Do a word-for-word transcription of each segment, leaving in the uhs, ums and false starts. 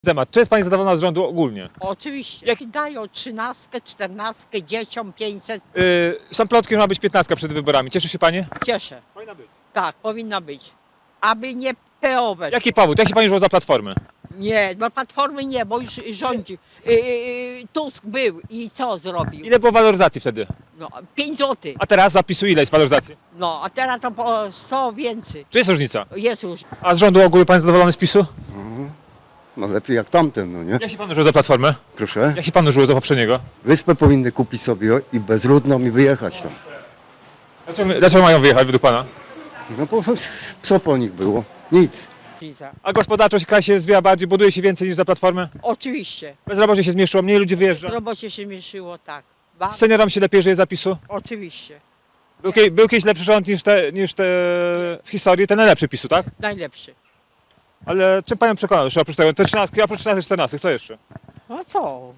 Temat. Czy jest pani zadowolona z rządu ogólnie? Oczywiście. Jak- Jak dają trzynastkę, czternastkę, dzieciom pięćset, Yy, są plotki, że ma być piętnastka przed wyborami. Cieszy się pani? cieszę. Powinna być. Tak, powinna być. Aby nie P O weszło. Jaki powód? Jak się pani żyło za Platformy? Nie, bo Platformy nie, bo już rządzi. Yy, yy, Tusk był i co zrobił? Ile było waloryzacji wtedy? No, pięć złotych. A teraz zapisu ile jest waloryzacji? No, a teraz to po sto więcej. Czy jest różnica? Jest już. A z rządu ogółu pan zadowolony z PiSu? No lepiej jak tamten, no nie? Jak się panu żyło za Platformę? Proszę. Jak się panu żyło za poprzedniego? Wyspę powinny kupić sobie i bezludną i wyjechać tam. Dlaczego, dlaczego mają wyjechać według pana? No bo co po nich było? Nic. A gospodarczość kraj się zwija bardziej, buduje się więcej niż za Platformę? Oczywiście. Bezrobocie się zmniejszyło, mniej ludzi wyjeżdża. Robocie się mieszyło, tak. Ba- Seniorom się lepiej żyje za PiSu? Oczywiście. Był, kie- był kiedyś lepszy rząd niż te, niż te w historii, ten najlepszy PiSu, tak? Najlepszy. Ale czym panią przekonał jeszcze oprócz tego? Te trzynastki, oprócz trzynastych, czternastych, co jeszcze? No co?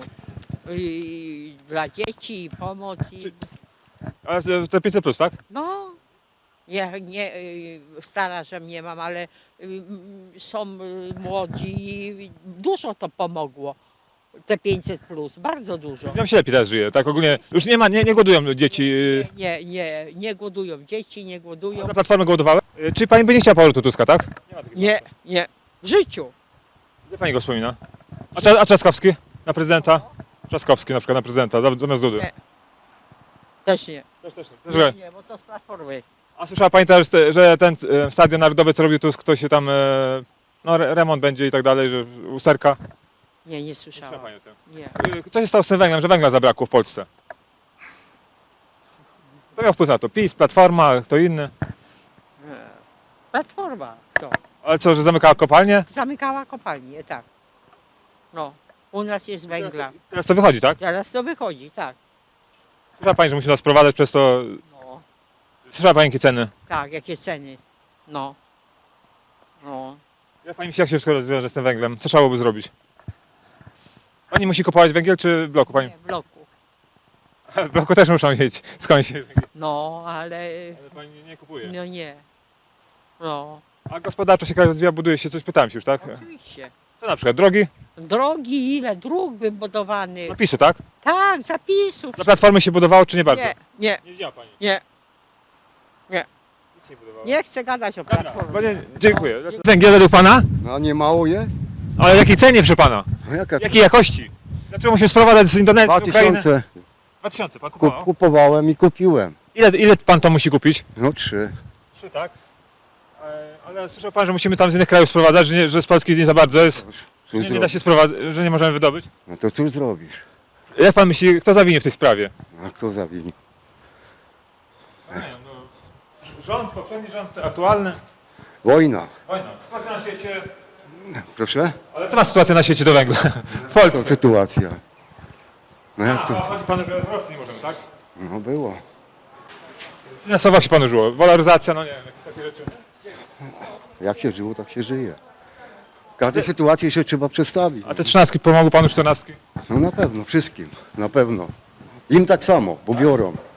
I dla dzieci i pomoc. I... A te pięćset plus, tak? No, nie, nie, y, stara, że nie mam, ale y, mm, są y, młodzi i dużo to pomogło. Te pięćset plus, bardzo dużo. Nam się lepiej teraz żyje, tak ogólnie. Już nie ma, nie, nie głodują dzieci. Nie, nie, nie głodują dzieci, nie głodują. Za Platformę głodowały? Czy pani by nie chciała powrotu Tuska, tak? Nie, nie, w życiu. Gdzie pani go wspomina? A, Cza- a Trzaskowski? Na prezydenta? Trzaskowski na przykład na prezydenta, zam- zamiast Dudy. Nie. Też nie. Też, też, Nie, nie, bo to z Platformy. A słyszała pani też, że ten e, stadion narodowy, co robił Tusk, to się tam, e, no re- remont będzie i tak dalej, że usterka? Nie, nie Słyszała słyszałam. pani o tym? Nie. E, Co się stało z tym węglem, że węgla zabrakło w Polsce? Kto miał wpływ na to? PiS, Platforma, kto inny? Platforma to. Ale co, że zamykała kopalnię? Zamykała kopalnię, tak. No, u nas jest węgla. Teraz to wychodzi, tak? Teraz to wychodzi, tak. Słyszała pani, że musi nas sprowadzać przez to... No, Słyszała pani jakie ceny? tak, jakie ceny. No. No. Jak pani myśli, jak się wszystko rozwiąże z tym węglem? Co trzeba byłoby zrobić? Pani musi kupować węgiel czy w bloku? Pani? Nie, w bloku. W bloku też muszą mieć skądś. Ale No, ale pani nie kupuje. no nie. No, A gospodarczo się kraj rozwija, buduje się, coś pytałem się już, tak? oczywiście. Co na przykład? Drogi? Drogi, ile dróg wybudowanych. Napisu, tak? Tak, zapisów. Dla Platformy się budowało, czy nie bardzo? Nie, nie, Nie widziała pani. nie. Nic nie budowało. Nie chcę gadać o Dobra, Platformie. panie, dziękuję. Węgiel według pana? No nie mało jest? Ale w jakiej cenie przy pana? No jaka Jakiej jakości? Dlaczego musimy sprowadzać z Indonezji, Dwa z Ukrainy? tysiące Dwa tysiące pan kup, kupował? kupowałem i kupiłem. Ile, ile pan to musi kupić? No trzy. Trzy, tak? E, Ale słyszał pan, że musimy tam z innych krajów sprowadzać, że, nie, że z Polski nie za bardzo jest, Cóż że nie da się sprowadzać, że nie możemy wydobyć? No to cóż zrobisz? Jak pan myśli, kto zawinie w tej sprawie? A kto zawini? Rząd, poprzedni rząd, aktualny. Wojna. Wojna. Sytuacja na świecie. Proszę? Ale co ma sytuacja na świecie do węgla? W To Polsce. sytuacja. No A, jak a to? chodzi panu, że z Rosji nie możemy, tak? No było. Finansowo jak się panu żyło? Waloryzacja, no nie wiem, jakieś takie rzeczy. Jak się żyło, tak się żyje. Każdej sytuacji się trzeba przestawić. A te trzynastki pomogły panu czternastki? No na pewno, wszystkim. Na pewno. Im tak samo, bo biorą.